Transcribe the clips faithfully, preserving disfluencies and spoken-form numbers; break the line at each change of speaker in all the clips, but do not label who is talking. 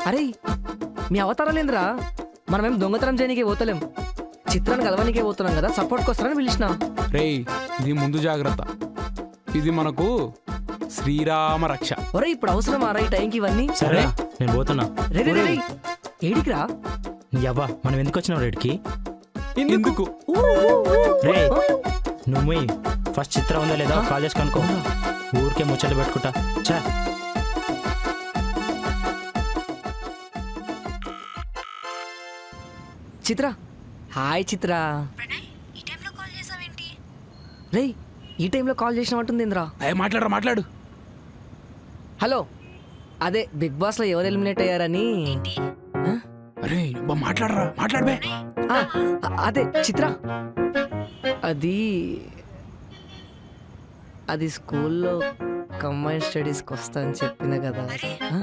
అరే మీ అవతారాలేంద్రా, మనమేం దొంగతనం చేయనీకే పోతలేం, చిత్రాన్ని కలవనికే పోతున్నాం కదా, సపోర్ట్కి వస్తారని పిలిచిన.
రేయ్ ఇది ముందు జాగ్రత్త, ఇది మనకు శ్రీరామ రక్ష.
ఒరే ఇప్పుడు అవసరం ఆరా ఈ టైంకి ఇవన్నీ?
సరే నేను పోతున్నా.
రే రే రే ఏడికి రా?
అవ్వా మనం ఎందుకు వచ్చినాం రేడికి?
ఎందుకు
రే నువ్వు ఫస్ట్ చిత్రం ఉందా లేదా కాల్ చేసి కనుక్కో. ఊరికే ముచ్చట్లు పెట్టుకుంటా. చా
చిత్ర. హాయ్ చిత్ర. రే ఈ టైంలో కాల్ చేసినట్టుంది ఇంద్రా.
అయ్యే మాట్లాడరా మాట్లాడు.
హలో, అదే బిగ్ బాస్ లో ఎవరు ఎలిమినేట్ అయ్యారని.
అరే అబ్బా మాట్లాడరా మాట్లాడబే.
ఆ, అదే చిత్ర, అది అది స్కూల్లో కంబైన్ స్టడీస్కి వస్తా అని చెప్పిన కదా. ఆ?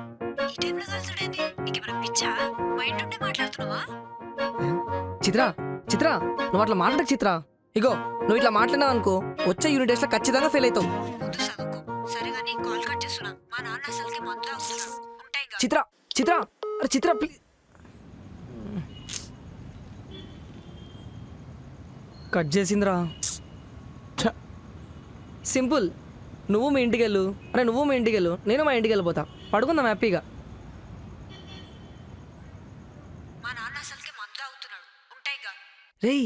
చిత్ర చిత్ర నువ్వు అట్లా మాట్లాడక చిత్ర. ఇగో నువ్వు ఇట్లా మాట్లాడినావు అనుకో, వచ్చే యూనిట్ టెస్ట్ లో ఖచ్చితంగా ఫెయిల్ అవుతావు. చిత్ర చిత్ర అరే చిత్ర ప్లీజ్. కట్ చేసిందిరా. సింపుల్, నువ్వు మీ ఇంటికి వెళ్ళు. అరే నువ్వు మీ ఇంటికి వెళ్ళు, నేను మా ఇంటికి వెళ్ళిపోతా. పడుకుందాం హ్యాపీగా. రేయ్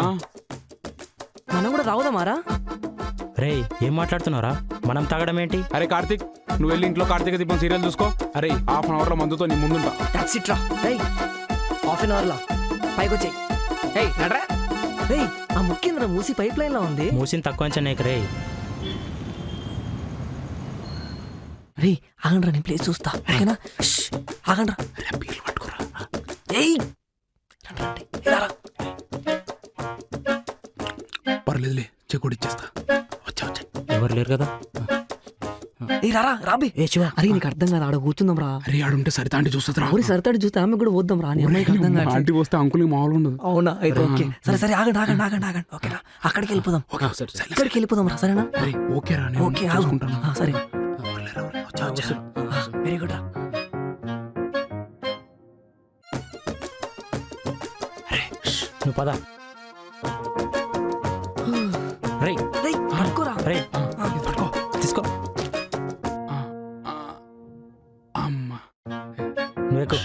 మనం కూడా తాగుదామారా?
రే ఏం మాట్లాడుతున్నారా? మనం తాగడం ఏంటి?
అరే కార్తీక్ నువ్వు వెళ్ళి ఇంట్లో కార్తీక దీపం సీరియల్ చూసుకో. అరే హాఫ్ అన్ అవర్ లో మందుతో నీ ముందుంటా.
టాక్సీ ట్రా. రేయ్ హాఫ్ అన్ అవర్ లా పైకి వచ్చేయి. రేయ్ నడరా. రేయ్ ఆ ముఖ్యంద్ర మూసి పైప్ లైన్ లా ఉంది.
మూసిని తక్కువ అంచనా రే.
రే ఆగండ్రా, నేను ప్లేస్ చూస్తా. ఓకేనా? ఆగండ్రా. ఏయ్
పర్లేదులే చెక్కుడు ఇచ్చేస్తా. వచ్చా వచ్చా.
ఎవరు లేరు కదా.
ఏ రారా రాబే.
ఏ శివ,
అరే నీకు అర్థం కాదు, ఆడ కూర్చుందాం రా.
అరే ఆడుంటే సరితా అంటే చూస్తా.
ఊరి సరితాడు చూస్తే ఆమె కూడా పోద్దాం రా. నీ అమ్మాయికి అర్థం కాదు.
ఆంటీ వస్తే అంకుల్కి మామూలు ఉండదు.
అవునా? అయితే ఓకే సరే సరే ఆగండి ఆగండి ఆగండి ఆగండి. ఓకేనా? అక్కడికి వెళ్ళిపోదాం. ఇక్కడికి వెళ్ళిపోదాం రా. సరేనా?
ఓకే రా,
ఓకే
చూసుకుంటాను.
సరే వెరీ గుడ్ రా.
నువ్వు పద. రే
రేయ్ పడుకోరా.
రే
పట్టుకో
తీసుకో.
అమ్మా
నువ్వు ఎక్కు.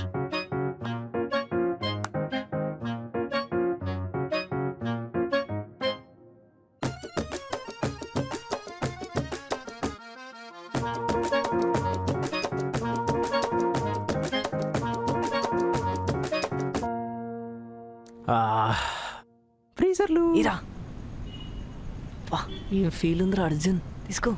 ఫ్రీజర్లు
ఇరా. వా ఏం ఫీల్ ఉందిరా అర్జున్. తీసుకో.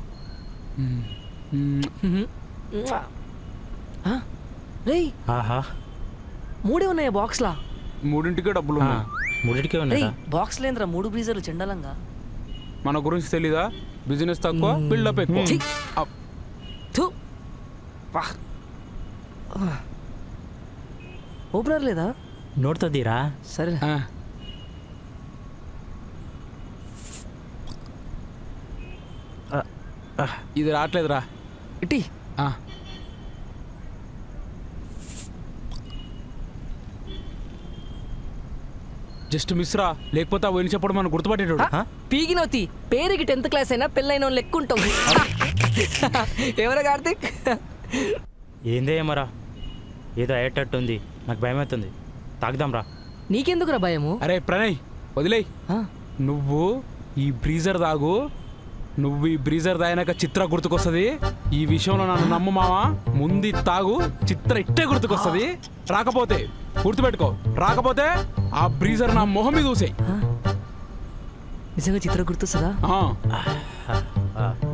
రేయ్
ఆహా
మూడే ఉన్నాయా బాక్స్ లా?
మూడింటికే డబ్బులు
ఆ,
ఉన్నాయి.
మూడింటికే
రేయ్
ఉన్నాయా?
బాక్స్ లేదురా, మూడు బ్రీజర్లు చెండాలంగా.
మన గురించి తెలీదా? బిజినెస్ తక్కువ బిల్డప్ ఎక్కువ.
ఛీ!
అప్.
థూ. వా ఓపెనర్ లేదా?
నోట్తో తీరా.
సరే
ఆ, ఇది రావట్లేదురా.
ఇటీ.
ఆ, జస్ట్ మిస్ రా, లేకపోతే ఆ పోయిన చెప్పడం మనం గుర్తుపట్టేటోడు.
పీగినవుతి పేరుకి టెన్త్ క్లాస్ అయినా పెళ్ళైన వాళ్ళు లెక్క ఉంటావు. ఎవరా కార్తీక్?
ఏందే ఏమరా, ఏదో అయ్యేటట్టుంది. నాకు భయం అవుతుంది. తాగుదాం రా.
నీకెందుకురా భయము?
అరే ప్రణయ్ వదిలేయ్.
ఆ,
నువ్వు ఈ బ్రీజర్ తాగు. నువ్వు ఈ బ్రీజర్ తాగినాక చిత్ర గుర్తుకొస్తుంది. ఈ విషయంలో నన్ను నమ్ము మావా. ముందు తాగు, చిత్ర ఇట్టే గుర్తుకొస్తుంది. రాకపోతే గుర్తుపెట్టుకో, రాకపోతే ఆ బ్రీజర్ నా మొహం మీద చూసేయి.
నిజంగా చిత్ర గుర్తొస్తుందా?
ఆ.
ఆ,